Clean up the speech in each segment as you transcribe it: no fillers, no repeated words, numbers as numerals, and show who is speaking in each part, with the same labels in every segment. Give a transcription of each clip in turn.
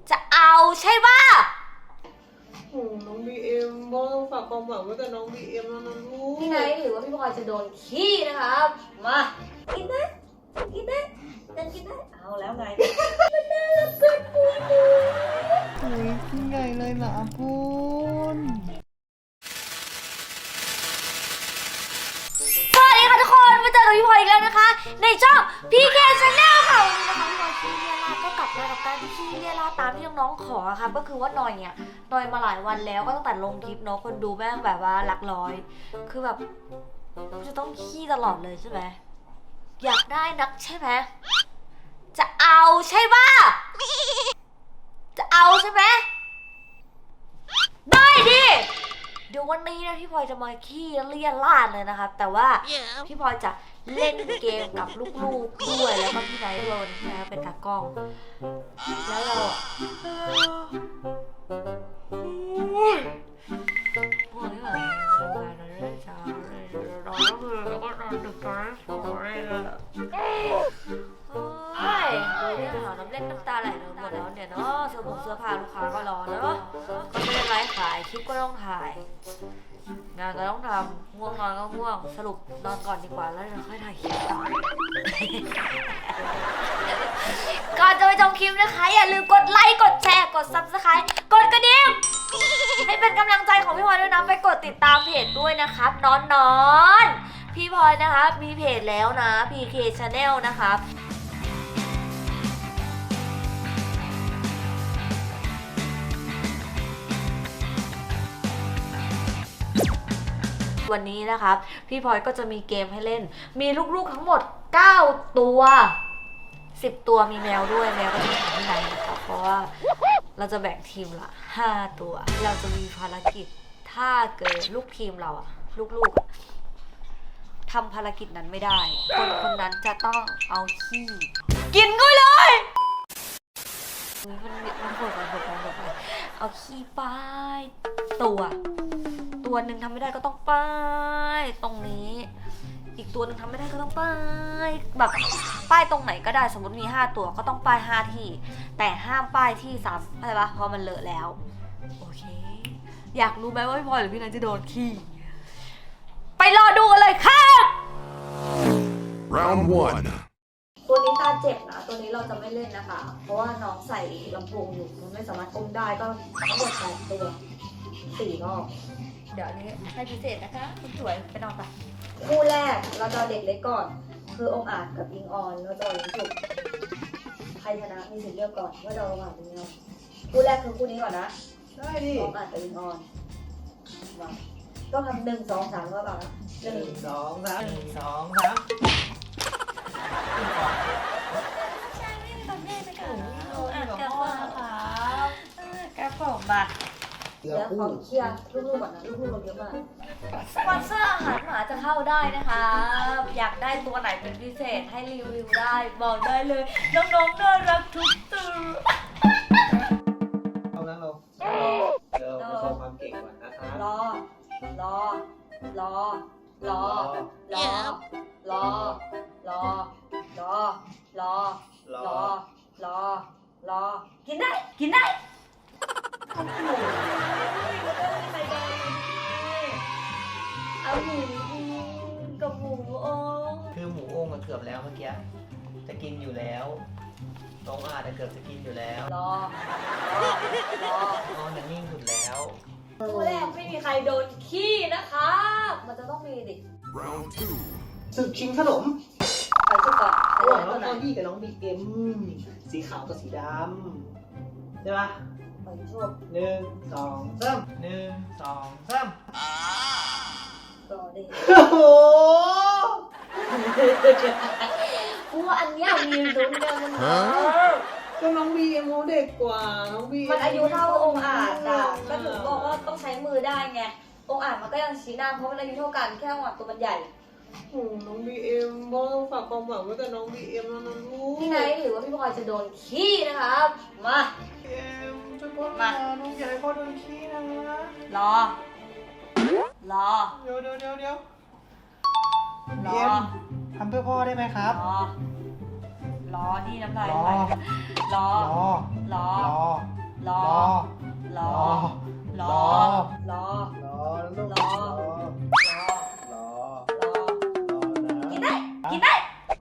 Speaker 1: จะเอาใช่ป่ะ
Speaker 2: โอ้น้องบีเอ็มพ่อต้องฝากความหวังไว้กับน้องบีเอ็มแล้วนะลูก
Speaker 1: พี่ไนท์หรือว่าพี่พลอยจะโดนขี้นะครับมากินได้กินได้ยังกินได้เอาแล้วไงมันน่ารักเกินปุยเลย
Speaker 2: โอ้ยกินใหญ่เลยเหรอคุณ
Speaker 1: สวัสดีค่ะทุกคนมาเจอกับพี่พลอยอีกแล้วนะคะในช่องพีเคชาแนลค่ะวันนี้นะคะพี่พลอยขี้เลียราก็กลับมากับการขี้เลียราตามที่น้องๆขอค่ะก็คือว่านอยเนี่ยนอยมาหลายวันแล้วก็ตั้งแต่ลงคลิปเนาะคนดูแม่งแบบว่าหลักร้อยคือแบบจะต้องขี้ตลอดเลยใช่ไหมอยากได้นักใช่ไหมจะเอาใช่ป่ะจะเอาใช่ไหมได้ดิเดี๋ยววันนี้นะพี่พลอยจะมาขี้เลี่ยราดเลยนะครับแต่ว่าพี่พลอยจะเล่นเกมกับลูกๆด้วยแล้วก็พี่ไนท์ด้วยนะเป็นตากล้องแล้วเราโอ้ยแบบทำงานเราได้ช้าเลยเราก็คือแล้วก็นอนดึกตอนนั้นสวยเลยโอ้ยเนี่ยหาน้ำเล่นน้ำตาไหลเลยหมดแล้วเนี่ยเนาะเสื้อผ้าลูกค้าก็รอเนาะก็ไม่ได้ไลฟ์ขายคลิปก็ต้องถ่ายงานก็ต้องทำง่วงนอนก็ง่วงสรุปนอนก่อนดีกว่าแล้วเราค่อยถ่ายคลิปต่อ ก่อนจะไปชมคลิปนะคะอย่าลืมกดไลค์กดแชร์กด Subscribe กดกระดิ่งให้เป็นกำลังใจของพี่พลอยด้วยนะไปกดติดตามเพจด้วยนะครับนอนพี่พลอยนะคะมีเพจแล้วนะ PK Channel นะคะวันนี้นะครับพี่พลอยก็จะมีเกมให้เล่นมีลูกๆทั้งหมด9ตัว10ตัวมีแมวด้วยแมวก็จะเป็นที่ไหนนะคะเพราะว่าเราจะแบ่งทีมละ5ตัวเราจะมีภารกิจถ้าเกิดลูกทีมเราอะลูกๆทำภารกิจนั้นไม่ได้คนนั้นจะต้องเอาขี้กินก็เลยมันโหดไปเอาขี้ป้ายตัวหนึ่งทำไม่ได้ก็ต้องป้ายตรงนี้อีกตัวหนึ่งทำไม่ได้ก็ต้องป้ายแบบป้ายตรงไหนก็ได้สมมติมี5ตัวก็ต้องป้าย5ที่แต่ห้ามป้ายที่3อะไรปะเพราะมันเลอะแล้วโอเคอยากรู้ไหมว่าพี่พลอยหรือพี่นันจะโดนขี้ไปรอดูกันเลยค่ะ
Speaker 3: Round 1.
Speaker 1: ตัวนี้ตาเจ็บนะตัวนี้เราจะไม่เล่นนะคะเพราะว่าน้องใส่ลำโพงอยู่มันไม่สามารถก้มได้ก็ทั้งหมด8ตัว4รอบเดี๋ยวอันนี้ให้พิเศษนะคะคุณสวยไปนอนไปคู่แรกเราจะเด็กเล็กก่อนคือองอาจกับอิงออนเราจะยิงฉุกใครชนะมีสิทธิ์เลือกก่อนว่าจะองอาจหรืออิงออนคู่แรกคือคู่นี้ก่อนนะ
Speaker 2: ได้ดิ
Speaker 1: องอาจกับอิงออนมาต้องทำ1 2 3ก็แบบ
Speaker 2: 1 2 3 1 2 3
Speaker 1: กับผมมาเดี๋ยวขอเคลียร์ลูกๆก่อนนะลูกๆเราเยอะมากสปอนเซอร์อาหารหมาจะเข้าได้นะคะอยากได้ตัวไหนเป็นพิเศษให้รีวิวได้บอกได้เลยน้องๆน่ารักทุกตัว
Speaker 2: เอางั้นเรามาโชว์ความเก่งก่อนนะคะ
Speaker 1: รอรอรอรอรอรอรอรอรอรอรอรอกินได้กินได้เอาหมูกับหมูอง
Speaker 2: คือหมูโอ่งมันเกือบแล้วเมื่อกี้จะกินอยู่แล้วน้องอาจจะเกือบจะกินอยู่แล้ว
Speaker 1: รอ
Speaker 2: น้องยังนิ่งสุดแล้ว
Speaker 1: ตัวแรกไม่มีใครโดนขี้นะคะมันจะต้องมีดิ
Speaker 3: Round 2.
Speaker 2: ศึกชิงขนม
Speaker 1: ไปชุดก่อน
Speaker 2: ระหว่างน้
Speaker 1: ตั
Speaker 2: อ
Speaker 1: ว
Speaker 2: ง
Speaker 1: ไหน
Speaker 2: ตอนยี่กับน้องบีเอ็มสีขาวกับสีดำใช่ปะ
Speaker 1: ไปชุด
Speaker 2: 1 2 3 1 2 3
Speaker 1: รอดิ
Speaker 2: โอ้โห
Speaker 1: กูว่าอันเนี้ยมีลุ้นกันมัน
Speaker 2: ก็น้องบีเอ็มเขาเด็กกว่าน้องบี
Speaker 1: มันอายุเท่าองค์อาจอ่ะก็ถึงบอกว่าต้องใช้มือได้ไงองค์อาจมันก็ยังชี้หน้าเพราะมันอายุเท่ากันแค่องค์อาจตัวมันใหญ่
Speaker 2: โอ้น้องบีเอ็มพ่อต้องฝากความหวังไว้กับน้องบีเอ็มแล้วนะลูก
Speaker 1: พี่ไนท์หรือว่าพี่พลอยจะโดนขี้นะครับมา
Speaker 2: เอ็มช่วยพ่อมาน้องอยากให้พ่อโดนขี้นะ
Speaker 1: รอรอ
Speaker 2: เดี๋ยว
Speaker 1: ร
Speaker 2: บี
Speaker 1: อ
Speaker 2: เอ็มทำเพื่อพ่อได้ไหมครับ
Speaker 1: รอรอนี่น้ำลาย
Speaker 3: รอ
Speaker 1: ไหลรอ
Speaker 3: รอ
Speaker 1: รอ
Speaker 3: รอ
Speaker 1: รอ
Speaker 3: รอ
Speaker 1: รอ
Speaker 3: รอลูก
Speaker 1: รอ
Speaker 3: รอ
Speaker 1: รอ
Speaker 3: นะ
Speaker 1: กินได้ กินได้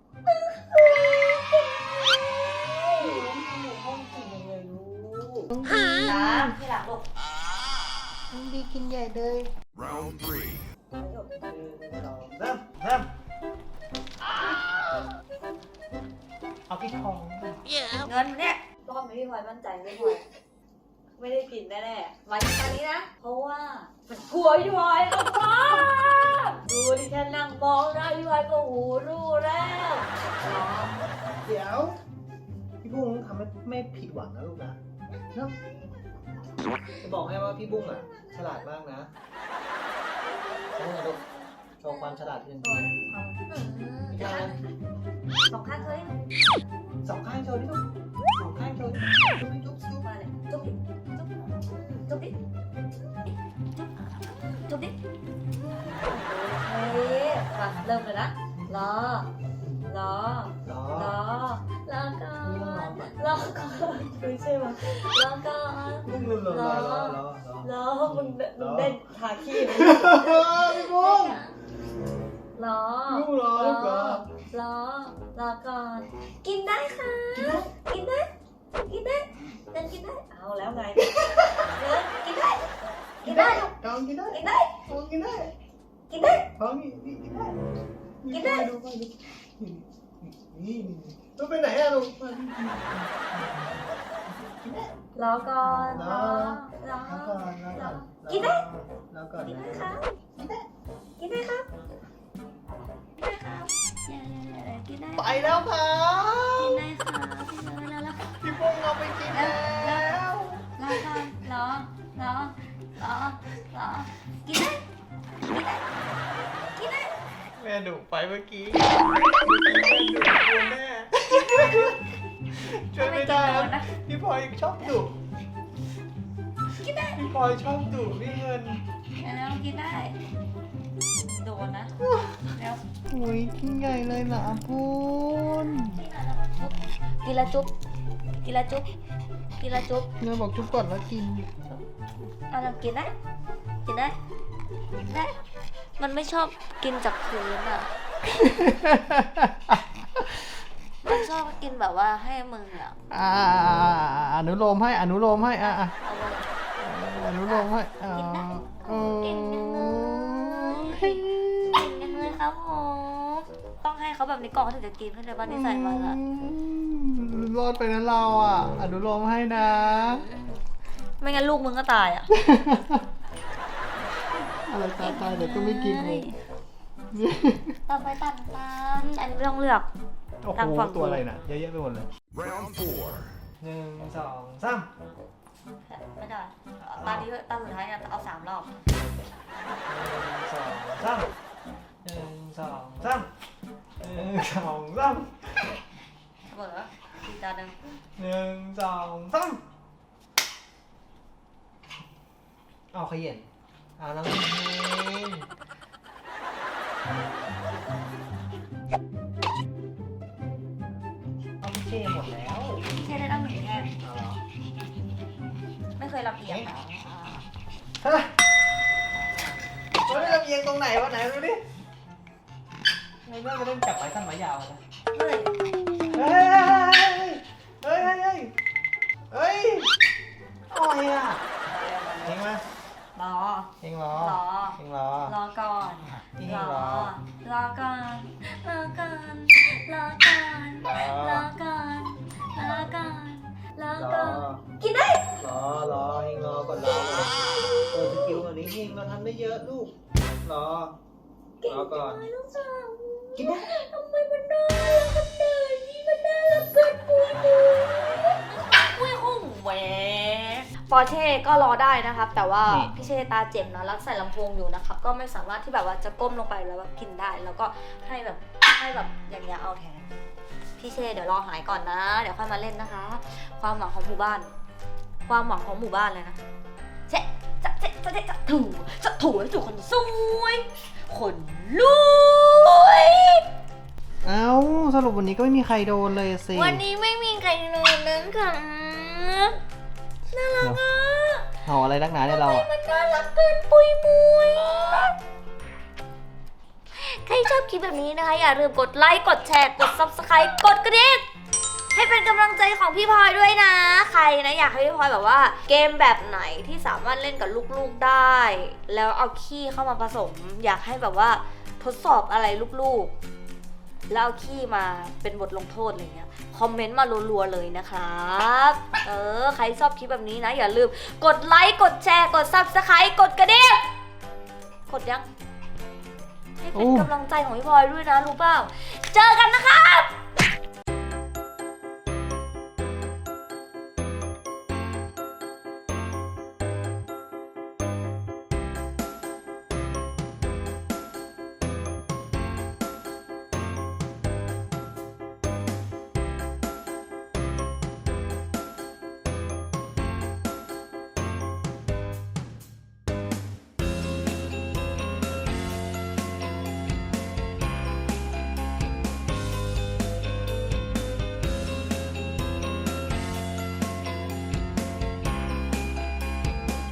Speaker 3: ห้องกินยังไงลูก
Speaker 1: น้ำที่หลังลูก
Speaker 3: น้องบีกินใหญ่เลย
Speaker 4: Round 3.
Speaker 3: เริ่มเอาพี่ทอง
Speaker 1: เงินเนี่ยรอบนี้พี่พลอยมั่นใจไม่พลอยไม่ได้กินแน่ๆวันนี้นะ เพราะว่ามันกลัวพี่พลอยมากดูดิฉันนั่งมองหน้าพี่พลอยก็หูรู้แล้วรอ
Speaker 3: เดี๋ยวพี่บุ้งทำให้ไม่ผิดหวังนะลูกนะเนาะจะบอกให้ว่าพี่บุ้งอ่ะฉลาดมากนะใช่ไหมลูกโชว์ความฉลาดที่จริง
Speaker 1: สองข้างเลย
Speaker 3: สองข้างโชว์ดิลูกสองข้างโชว์ดิจุ๊บดิจุ๊บจุ๊บ
Speaker 1: มาเลยจุ๊บดิจุ๊บดิจุ๊บดิโอเคมาเริ่มเลยนะรอ
Speaker 3: รอ
Speaker 1: รอก่อนรอก่อนไม่ใช่มั้ยรอก่อน
Speaker 3: บุ้งรอ
Speaker 1: รอมึงเต้นทาขี้เลย
Speaker 3: พี่บุ้ง
Speaker 1: รอ
Speaker 3: บุ้งรอก่อน
Speaker 1: รอก่อน กินได้ค่ะ กินได้เดินกินได้ เอาแล้วไงเดินกินได้ กินได้
Speaker 3: ทองกินได้
Speaker 1: กินได้
Speaker 3: ทองกินได้
Speaker 1: กินได้
Speaker 3: ทองกินได้
Speaker 1: กินได้
Speaker 3: ดูไปดูนี่ลูกไปไหนอะลูก
Speaker 1: รอก่อนรอ
Speaker 3: แล้วก่อนแล้วก่อน
Speaker 1: กินได้
Speaker 3: แล้วก่อน
Speaker 1: กิน
Speaker 3: นะ
Speaker 1: ได้ครับกินได้ครับกินได้ครับกินได้
Speaker 3: ไปแล้วครับ
Speaker 1: กินได้ครับกินได้แล้ว
Speaker 3: พี่ปุ้งเอาไปกินแล้ว
Speaker 1: รอก่อนรอกินได้กินได้
Speaker 3: แม่ดุไปเมื่อกี้แม่ช่วยไม่ได้แล้วพี่พลอยชอบดุ
Speaker 1: กินได้
Speaker 3: พี่พลอยชอบดุพี่เงิน
Speaker 1: แล้วกินได้โดนนะแล้ว
Speaker 3: โอ้ยกินใหญ่เลยนะปุ้น
Speaker 1: กินละจุ๊บกินละจุ๊บกินละจุ๊บ
Speaker 3: เนื้อบอกจุ๊บก่อนแล้วกิน
Speaker 1: เอาลองกินได้กินได้ได้ มันไม่ชอบกินจากพื้นอ่ะ มันชอบกินแบบว่าให้มืออ่ะ
Speaker 3: อนุโลมให้อนุโลมให้
Speaker 1: เอาเลย
Speaker 3: อนุโลมให้
Speaker 1: กินได้
Speaker 3: โอ้
Speaker 1: เก่งจังเลยเก่งจังเลยครับผมต้องให้เขาแบบนี้ก่อนเขาถึงจะกินเพื่อจะบ้านนิสัยมันอ่ะ
Speaker 3: รอดไปนะเราอ่ะ อนุโลมให้นะ
Speaker 1: ไม่งั้นลูกมึงก็ตายอ่ะ
Speaker 3: อะไรตายเดี๋ยวก็ไม่กินเลย
Speaker 1: ต่อไปตัดตามอันนี้ไม่ต้องเลือก
Speaker 3: โอ้
Speaker 1: ทาง
Speaker 3: โห
Speaker 1: ฝั่ง
Speaker 3: ตัวอะไรน่ะเยอะแยะไปหมดเลย
Speaker 4: Round 4.
Speaker 3: 1 2 3
Speaker 1: ไม่ได้ตอนนี้ตอนสุดท้ายเนี่ยเอา3 รอบ
Speaker 3: 1 2 3 1 2 3
Speaker 1: เสมอทีจานหนึ่ง
Speaker 3: 1 2 3เอาขยันเอาน้ำกินเอาพี่เช่หมดแล้ว
Speaker 1: พี่เช่ได้ตั้ง1 แง่
Speaker 3: เอาเหรอ
Speaker 1: ไม่เคยรับเอียงนะ
Speaker 3: ฮะเราได้ลำเอียงตรงไหนวะไหนดูดิไอ้แม่ไปเล่นจับไม้สั้นไม้ยาวนะ
Speaker 1: เฮ้ย
Speaker 3: เฮ้ยเฮ้ยเฮ้ยเฮ้ยเฮ้ยอะไรอ่ะเฮงมาร
Speaker 1: อ
Speaker 3: เฮงรอ
Speaker 1: รอ
Speaker 3: เฮงรอ
Speaker 1: รอก่อน
Speaker 3: พี่
Speaker 1: ร
Speaker 3: เฮง
Speaker 1: อ
Speaker 3: รอ
Speaker 1: รอก่อนรอก่อนรอก่อนรอก่อนรอก่อนรอ
Speaker 3: ร
Speaker 1: ก่
Speaker 3: อ
Speaker 1: อนกินได้
Speaker 3: รอเฮงรอก่อนรอสกิลอันนี้เฮงเราทำได้เยอะลูกรอ
Speaker 1: เก่ง
Speaker 3: รอก่อน
Speaker 1: จังเลยลูกสาว
Speaker 3: กินได้
Speaker 1: ทำไมมันน่ารักขนาดนี้มันน่ารักเกินปุยปุยหุ่งแหวปอร์เช่ก็รอได้นะครับ แต่ว่าพี่เช่ตาเจ็บนะแล้วใส่ลำโพงอยู่นะครับ ก็ไม่สามารถที่แบบว่าจะก้มลงไปแล้วแบบกินได้ แล้วก็ให้แบบอย่างเงี้ยเอาแทนพี่เช่เดี๋ยวรอหายก่อนนะ เดี๋ยวค่อยมาเล่นนะคะ ความหวังของหมู่บ้าน ความหวังของหมู่บ้านเลยนะเช่จะถูคนสวยคนรวย
Speaker 3: เอ้าสรุปวันนี้ก็ไม่มีใครโดนเลยสิ
Speaker 1: วันนี้ไม่มีใครโดนนั้นค่ะน่ารักอ่ะ
Speaker 3: เห่าอะไรนักหนาเนี่ยเราอะ
Speaker 1: มันน่ารักเกินปุยมุยใครชอบคลิปแบบนี้นะคะอย่าลืมกดไลค์กดแชร์กด Subscribe กดกระดิ่งให้เป็นกำลังใจของพี่พลอยด้วยนะใครนะอยากให้พี่พลอยแบบว่าเกมแบบไหนที่สามารถเล่นกับลูกๆได้ แล้วเอาขี้เข้ามาผสม อยากให้แบบว่าทดสอบอะไรลูกๆแล้วเอาขี้มาเป็นบทลงโทษอะไรเงี้ยคอมเมนต์มารัวๆเลยนะครับใครชอบคลิปแบบนี้นะอย่าลืมกดไลค์กดแชร์กด Subscribe กดกระดิ่งกดยังให้เป็นกำลังใจของพี่พลอยด้วยนะรู้เปล่าเจอกันนะครับ